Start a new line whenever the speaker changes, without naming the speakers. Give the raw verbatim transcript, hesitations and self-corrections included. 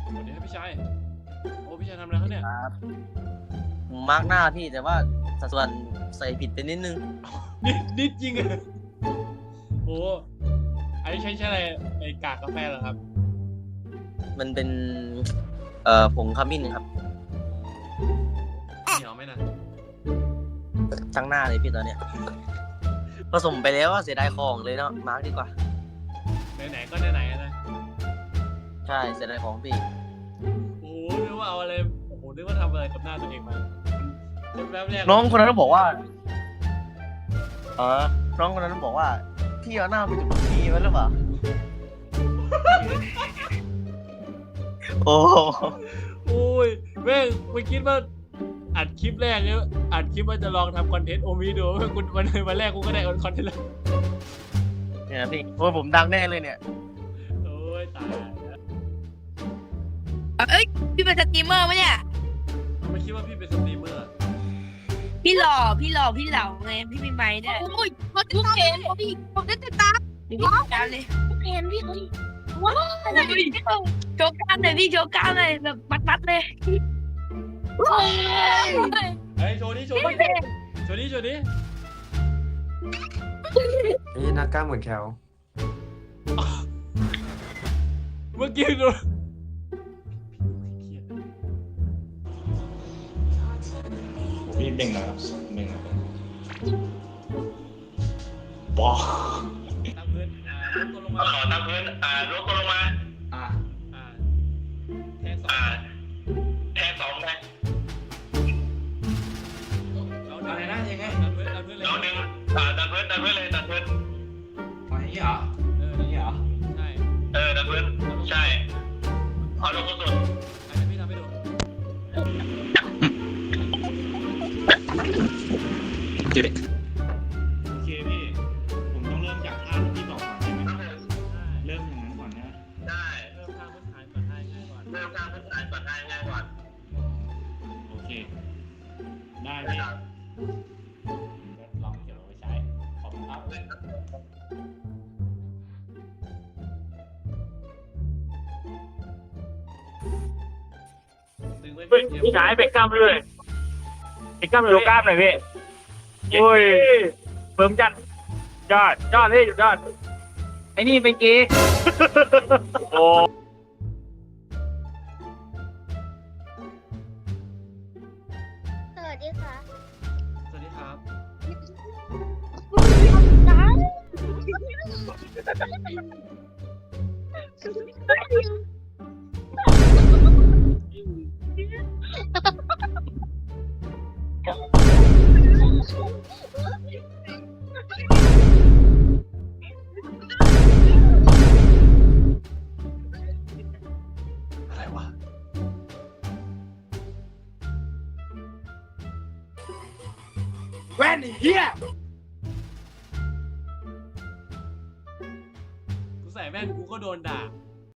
สวัสดีครับพี่ชายโอ้พี่ชายทำอะไรครับเนี่ย
ครับผมมาร์กหน้าพี่แต่ว่าสัดส่วนใส่ผิดไปนิดนึง
นิดนิดจริงอะโอ้อันนี้ใช้ใช้อะไรไอกากกาแฟเหรอครับ
มันเป็นเอ่อผงขมิ้นครับ
เหนียวไหมนะ
ทั้งหน้าเลยพี่ตอนเนี้ยผสมไปแล้วเสียดายของเลยเนาะมาร์กดีกว่า
ไหนๆก็ไหนๆนะ
ใช่เสียดายของพี่
โอ้นึกว่าเอาอะไรโอ้โหนึกว่าทำอะไรกับหน้าตัวเองมาแป๊บแรก
น้องคนนั้นบอกว่าเออน้องคนนั้นบอกว่าพี่เอาหน้าไปจุดทีไว้หรือเปล่าโอ้
โอ้ยแม่งไม่คิดว่าอัดคลิปแรกเนี่ยอัดคลิปว่าจะลองทำคอนเทนต์โอมิดูว่าคุณวันวันแรกกูก็ได้คอนเทนต์แล้ว
เนี่ยพี่โอ้ยผมดังแน่เลยเนี่ย
โอ้ยตาย
เอ้ยพี่เป็นสตรีมเมอร์ปะเนี่ย
ไม่คิดว่าพี่เป็นสตรีมเมอร์
พี่หล่อพี่หล่อพี่เหล่าไงพี่มีไม้ด้วยโอ้ยมาติดตามพี่ผมได้ติดตามพี่ติดตามเลยเห็นพี่ว้าวโชว์กล้ามหน่อยพี่โชว์กล้ามหน่อยแบบมัดๆเลย
เฮ้ยโชว์ดิโชว์ดิโชว์ดิโชว์ดิ
นี่นักกล้ามเหมือนแคล
เมื่อกี้ดู
พี่เบ่งนะครับเบ่งนะครับบอ
ตั้งพื้นอ่าลดตัวลงมา
ขอตั้งพื้นอ่าลดตัวลงมาอ่า
อ่าแทงสอง
อ่าแทงสองไง
อะไรนะยังไงตั้งพื้นตั้งพื้นเลย
เราหนึ่งอ่าตั้งพื้นตั้งพื้นเลยตั้งพื้น
อ๋ออย่างนี้เหรอเอออย่างนี้เหรอใช่
เออตั้งพื้นใช่เอาลงสุด
อันนี้พี่ทำให้ดู
โอเค
พี่
ผมต้องเริ่มจากท่าที่พี่บอกก่อนใช่ไหมเริ่มอย่างนั้นก่อนนะ
ได้เริ่มท่าพื้นฐานก่อนท่าง่ายก่อน
เริ่มท่าพื้นฐานก่อนท่าง่ายก่อนโอเคได้พี่
ลองเก็บเอาไว้ใช้ขอบคุณครับ
พี่ชายเบรกกล้ามเลยเบรกกล้ามเลยกล้ามหน่อยพี่โอ้ยเบิ่มจัดยอดยอดพี่ยอดไอ้นี่เป็นเกย์โอ้
สวัสดีค่ะ
สวัสดีครับอะไรวะ
แว่นเฮีย
กูใส่แว่นกูก็โดนด่า